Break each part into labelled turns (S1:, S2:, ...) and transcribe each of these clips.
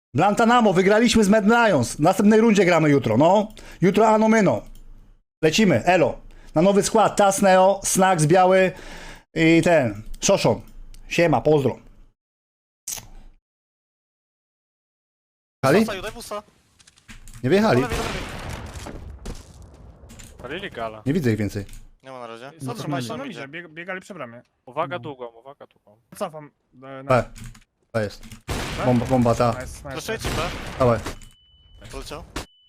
S1: Blantanamo, wygraliśmy z Mad Lions. W następnej rundzie gramy jutro, no. Jutro Ano Myno. Lecimy, elo. Na nowy skład, Tasneo, Snacks biały i ten, Szoszon. Siema, pozdro. Jechali?
S2: Daj busa.
S1: Nie wyjechali?
S3: Palili gala.
S1: Nie widzę ich więcej.
S2: Nie ma na razie.
S4: No
S2: Co
S4: to
S2: trzymaj
S4: na
S2: się
S4: idzie, biegali przy bramie.
S3: Uwaga długą, uwaga długą.
S4: Cofam.
S1: B. To jest. Bomba ta.
S4: Nice, nice.
S2: Proszę ci B.
S1: Dawaj.
S2: Poleciał.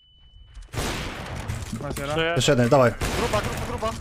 S4: Nice,
S3: Żyje.
S1: Jeszcze jeden, dawaj.
S2: Gruba.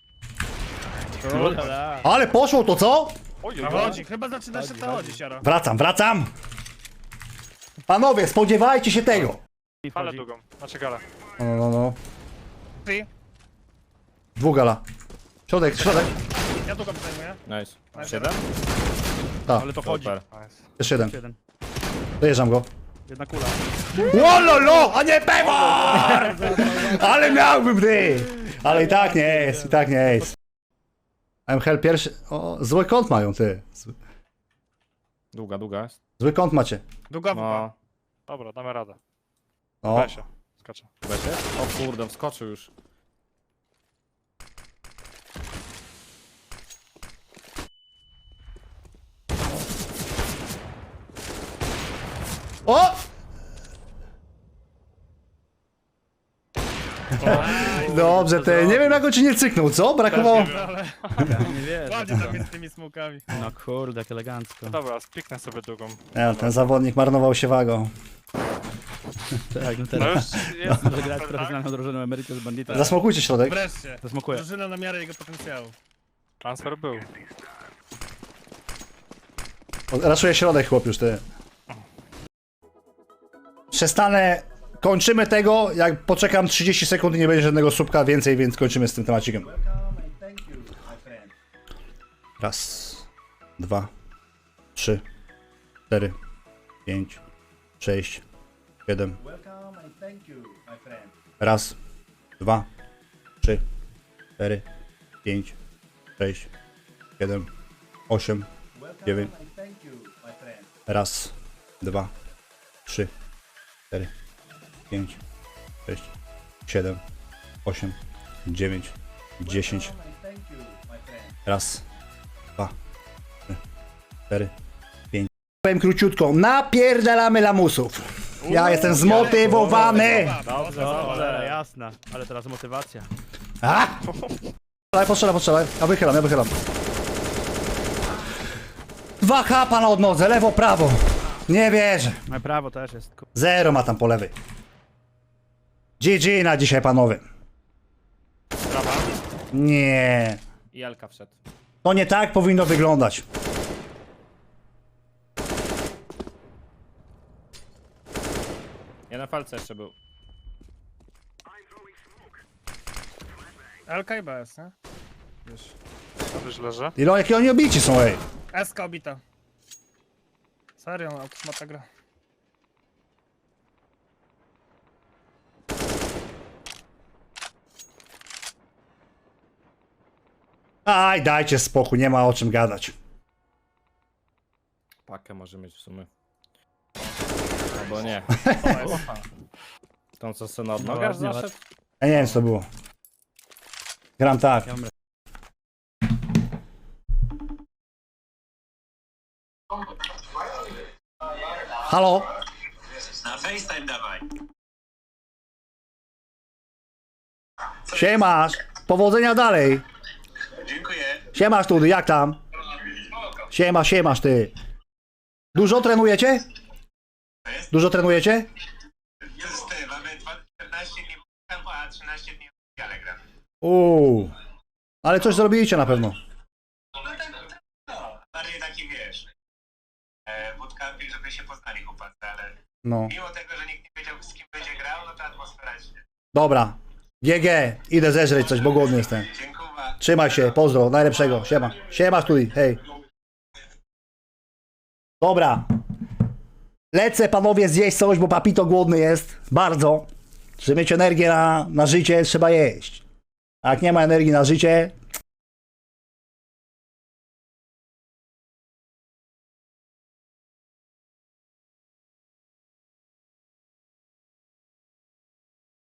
S1: Ale poszło to, co?
S3: Oj, oj,
S4: A
S3: oj.
S4: chodzi, chyba zaczyna się to chodzić, Jaro.
S1: Wracam. Panowie, spodziewajcie się tego.
S3: Ale długą. Znaczy gala.
S1: No.
S4: Ty,
S1: Dwóch gala. Środek.
S4: ja tu go zajmuję.
S5: Nice.
S4: Nice.
S5: 7?
S1: Tak,
S5: Ale to chodzi.
S3: Nice.
S1: jeszcze jeden.
S4: Jeden.
S1: Dojeżdżam go.
S4: Jedna kula.
S1: Łololo, a nie pewor! Ale miałbym ty! Ale i tak nie jest. MHL pierwszy... O, zły kąt mają, ty.
S5: Długa jest.
S1: Zły kąt macie.
S4: Długa no.
S5: No.
S3: Dobra, damy radę.
S1: O,
S3: Weź się. Skaczę.
S5: Będzie? O kurde, wskoczył już.
S1: o! Dobrze, ty. Nie wiem, jak on ci nie cyknął, co? Brakowało...
S4: Nie wiesz. Ładnie tam jest z tymi smokami.
S6: No kurde, jak elegancko.
S3: Dobra, spiknę sobie długą.
S1: Nie, ten zawodnik marnował się wagą.
S6: Tak, no
S3: No
S6: teraz
S3: już jest.
S6: może grać profesjonalną drużyną Emeritus Bandita.
S1: Zasmokujcie środek.
S4: Wreszcie.
S6: Zasmokuję.
S4: Drużyna na miarę jego potencjału.
S3: Transfer był.
S1: Raszuje środek, chłop już, ty. Przestanę... Kończymy tego, jak poczekam 30 sekund i nie będzie żadnego słupka więcej, więc kończymy z tym temacikiem. Raz, dwa, trzy, 4, 5, 6, 7. Raz, dwa, trzy, 4, 5, 6, 7, 8, 9. Raz, dwa, trzy, 4, 5, 6, 7, 8, 9, 10. Raz, dwa, trzy, 4, 5. Powiem króciutko, napierdalamy lamusów. Ja jestem zmotywowany.
S6: Dobrze, jasna. Ale teraz motywacja.
S1: A! Postrzelaj. Ja wychylam. 2 chapa na odnodze, lewo, prawo. Nie wierzę.
S6: No prawo też jest.
S1: 0 ma tam po lewej. GG na dzisiaj, panowie.
S3: Brawa.
S1: Nie.
S5: I Elka wszedł.
S1: To nie tak powinno wyglądać.
S5: Ja na falce jeszcze był.
S4: LK i BS, nie? Wiesz.
S3: Już leży.
S1: Ile jakie oni obici są, ej.
S4: SK obita. Serio, no, autosmata gra.
S1: Aj, dajcie spokój, nie ma o czym gadać.
S5: Pakę może mieć w sumie. Albo nie. Tą co se na odnogach
S6: ładnie,
S5: zaszedł?
S1: Ja nie wiem, co to było. Gram tak.
S6: Ja mam
S1: Halo?
S7: Na FaceTime dawaj.
S1: Siemasz. Powodzenia dalej.
S7: Dziękuję.
S1: Siemasz tu, jak tam? Siemasz ty. Dużo trenujecie? Dużo trenujecie?
S7: Jest ty, mamy 14 dni kampu, a 13 dni w ale gram.
S1: Ale coś zrobiliście na pewno.
S7: Bardziej taki wiesz. Bootcamping, żeby się poznali chłopacy, ale
S1: No.
S7: mimo tego, że nikt nie wiedział z kim będzie grał, no to atmosfera się.
S1: Dobra. GG. Idę zeżreć coś, bo głodny jestem.
S7: Dziękuję.
S1: Trzymaj się, pozdro, najlepszego. Siema. Siema studi, hej. Dobra. Lecę, panowie, zjeść coś, bo papito głodny jest. Bardzo. Żeby mieć energię na życie, trzeba jeść. A jak nie ma energii na życie,